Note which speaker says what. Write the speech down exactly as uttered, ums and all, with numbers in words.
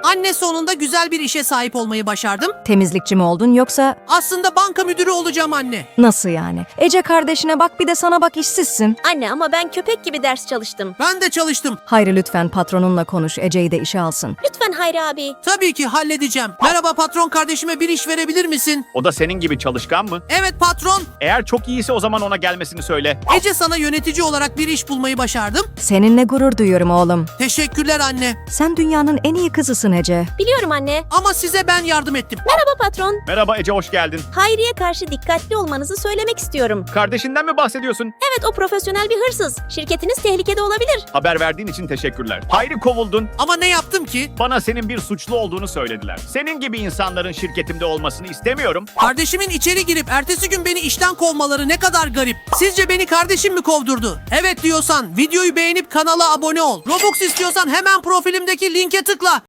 Speaker 1: Anne, sonunda güzel bir işe sahip olmayı başardım.
Speaker 2: Temizlikçi mi oldun yoksa
Speaker 1: Aslında banka müdürü olacağım anne.
Speaker 2: nasıl yani? Ece kardeşine bak bir de sana bak işsizsin.
Speaker 3: Anne ama ben köpek gibi ders çalıştım.
Speaker 1: Ben de çalıştım.
Speaker 2: Hayri lütfen patronunla konuş Ece'yi de işe alsın.
Speaker 3: Lütfen Hayri abi.
Speaker 1: Tabii ki halledeceğim. Merhaba patron, kardeşime bir iş verebilir misin?
Speaker 4: O da senin gibi çalışkan mı?
Speaker 1: Evet patron.
Speaker 4: Eğer çok iyiyse o zaman ona gelmesini söyle.
Speaker 1: Ece, sana yönetici olarak bir iş bulmayı başardım.
Speaker 2: Seninle gurur duyuyorum oğlum.
Speaker 1: Teşekkürler anne.
Speaker 2: Sen dünyanın en iyi kızısın Ece.
Speaker 3: Biliyorum anne.
Speaker 1: Ama size ben yardım ettim.
Speaker 3: Merhaba patron.
Speaker 4: Merhaba Ece, hoş geldin.
Speaker 3: Hayri'ye karşı dikkatli olmanızı söylemek istiyorum.
Speaker 4: Kardeşinden mi bahsediyorsun?
Speaker 3: Evet, o profesyonel bir hırsız. Şirketiniz tehlikede olabilir.
Speaker 4: Haber verdiğin için teşekkürler. Hayri, kovuldun.
Speaker 1: Ama ne yaptım ki?
Speaker 4: Bana senin bir suçlu olduğunu söylediler. Senin gibi insanların şirketimde olmasını istemiyorum.
Speaker 1: Kardeşimin içeri girip ertesi gün beni işten kovmaları ne kadar garip. Sizce beni kardeşim mi kovdurdu? Evet diyorsan videoyu beğenip kanala abone ol. Robux istiyorsan hemen profilimdeki linke tıkla.